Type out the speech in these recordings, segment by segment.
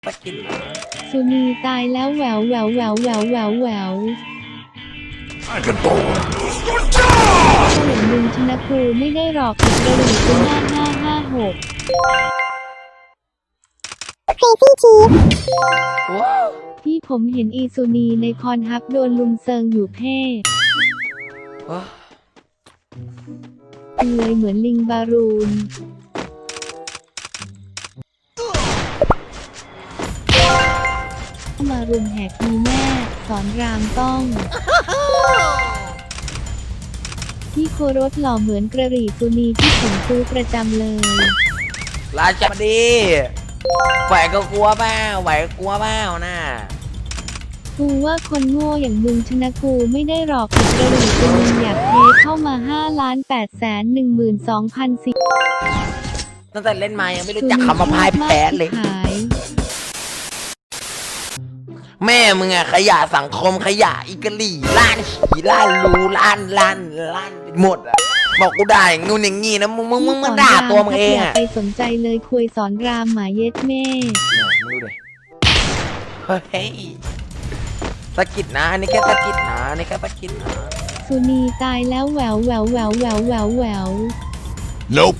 ไปกินเหรอสุนีตายแล้วแหววแหววแหววแหววแหววแหววถ้าอย่างมึงชนะกูไม่ได้หรอกอีกระหรี่กู5556 Crazy Chief ว้าวที่ผมเห็นอีสุนีในพรฮับโดนลุมเซิงอยู่เพ่เลยเหมือนลิงบารูนมารุมแหกมีแม่สอนรามต้องที่โครสหล่อเหมือนกระหรี่สุนีที่ผมซื้อประจำเลยราชบดีไหวก็กลัวเปล่าไหวก็กลัวเปล่าน่ะกูว่าคนโง่อย่างมึงชนะกูไม่ได้หรอกอีกกระหรี่กูมึงอยากเทเข้ามา5,812,000 ตั้งแต่เล่นมายังไม่รู้จักคำว่าพายแพ้เลยแม่มึงอะขยะสังคมขยะอีกะลี่ล้านฉี่ล้านรูล้านหมดอะบอกกูได้งูอย่างงี้นะมึงด่าตัวมึงเองอะไปสนใจเลยคุยสอนรามหมาเย็ดแม่มึงดูดิเฮ้ยสะกิดนะอันนี้แค่สะกิดนะอันนี้แค่สะกิดนะสุนีตายแล้วแหววแหววแหววแหววแหววแหวว Nope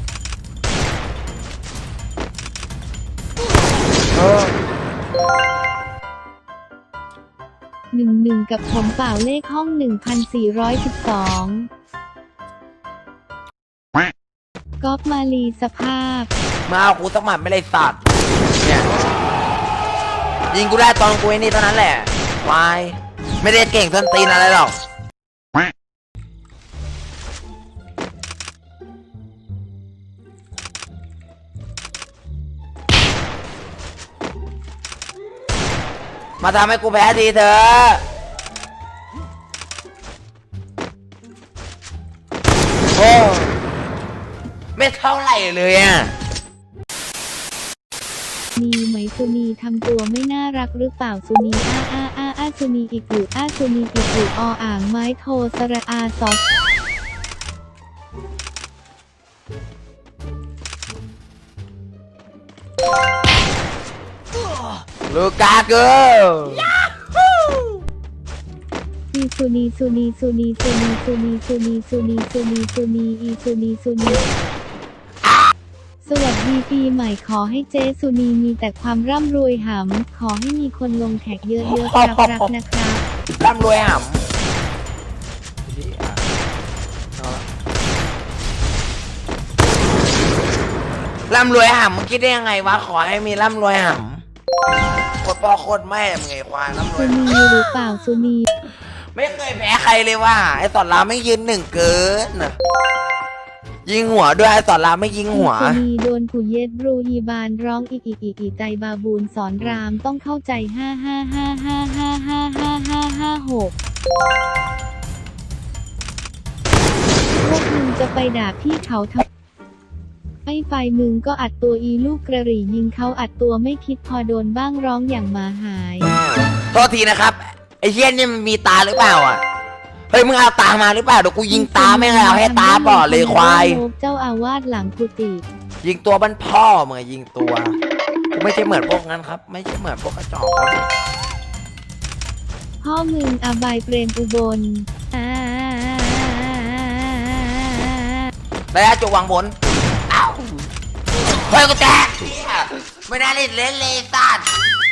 11กับผมเปล่าเลขห้อง1412ก๊อฟมาลีสภาพมาเอากูสักหมัดไม่ได้สัตว์เนี่ยยิงกูได้ตอนกูไอ้นี่เท่านั้นแหละวายไม่ได้เก่งส้นตีนอะไรหรอกมาทำให้กูแพ้ดีเถอะโอ้ไม่เท่าไหร่เลยอ่ะมีไหมสุนีทำตัวไม่น่ารักหรือเปล่าสุนีสุนีอีกหรือสุนีอีกหรืออ่างไม้โทสระซอสลูกาเกอร์อีสุนีสุนีสุนีสุนีสุนีสุนีสุนีสุนีสุนีอีสุนีสุนีสวัสดีปีใหม่ขอให้เจสุนีมีแต่ความร่ำรวยหำขอให้มีคนลงแขกเยอะๆรักนะครับร่ำรวยหำร่ำรวยหำมึงคิดได้ยังไงวะขอให้มีร่ำรวยหำโคตรพ่อโคตรแม่มึงไงควายร่ำรวยสุนีหรือเปล่าสุนีไม่เคยแพ้ใครเลยว่ะไอ้สอนรามไม่ยืนหนึ่งเกินยิงหัวด้วยไอ้สอนรามไม่ยิงหัวสุนีโดนผู้เย็ดรูฮีบานร้องอีใจบาบูนสอนรามต้องเข้าใจ555555556พวกมึงจะไปด่าพี่เขาทำไอ้ไฟมึงก็อัดตัวอีลูกกระหรี่ยิงเขาอัดตัวไม่คิดพอโดนบ้างร้องอย่างหมาหายโทษทีนะครับไอ้เชี่ยนี่มันมีตาหรือเปล่าอ่ะเฮ้ยมึงเอาตามาหรือเปล่าเดี๋ยวกูยิงตาไม่เอาให้ตาบอดเลยควายเจ้าอาวาสหลังกุฏิยิงตัวบ้านพ่อมึงยิงตัวกูไม่ใช่เหมือนพวกนั้นครับไม่ใช่เหมือนพวกกระจอกครับพ่อมึงอบายเปรมอุบลแล้วจุกวางบนอ้าวเฮ้ยกูแตกไม่ได้เล่นเลยสัตว์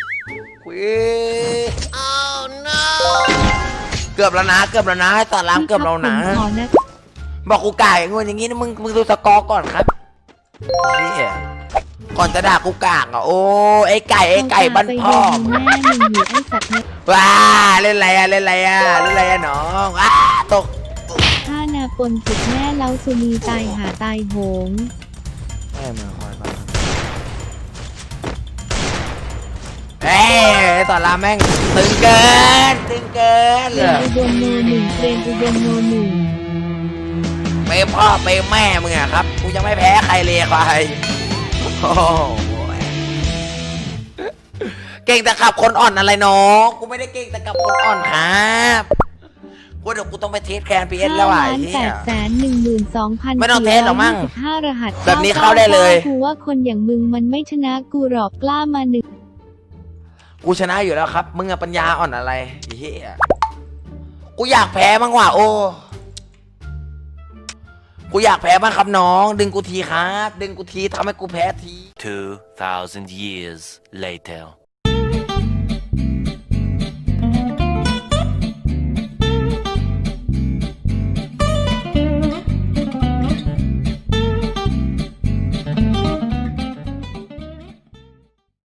Oh no เกือบแล้วนะให้ตอนล้างเกือบเรานะบอกกูไก่งวอย่างงี้นะมึงดูสกอร์ก่อนครับนี่ก่อนจะด่ากูกากอ่ะโอ้ไอ้ไก่บ้านพ่อว้าเล่นอะไรน้องว้าตกถ้านาปนจุดแม่เล้าสุนีตายหาตายโหงแม่มาคอยมาเอ้ยตอนลาแม่งตึงเกินเลยอุบลโนหนึ่งเรนอุบลโนหนึ่งไปพ่อไปแม่มึงอะครับกูยังไม่แพ้ใครเลยใครโอ้เก่งแต่ขับคนอ่อนอะไรน้องกูไม่ได้เก่งแต่ขับคนอ่อนครับกูเดี๋ยวกูต้องไปเทสแคนพีเอสแล้วไอ้เนี่ย812,000 ไม่ต้องเทสหรอกมั้ง 5รหัสแบบนี้เข้าได้เลยกูว่าคนอย่างมึงมันไม่ชนะกูหรอกกล้ามาหนึ่งกูชนะอยู่แล้วครับ มึงอะปัญญาอ่อนอะไรไอ้เหี้ยกูอยากแพ้บ้างว่ะโอ้กูอยากแพ้บ้างครับน้อง ดึงกูทีครับ ดึงกูทีทำให้กูแพ้ที 2,000 years later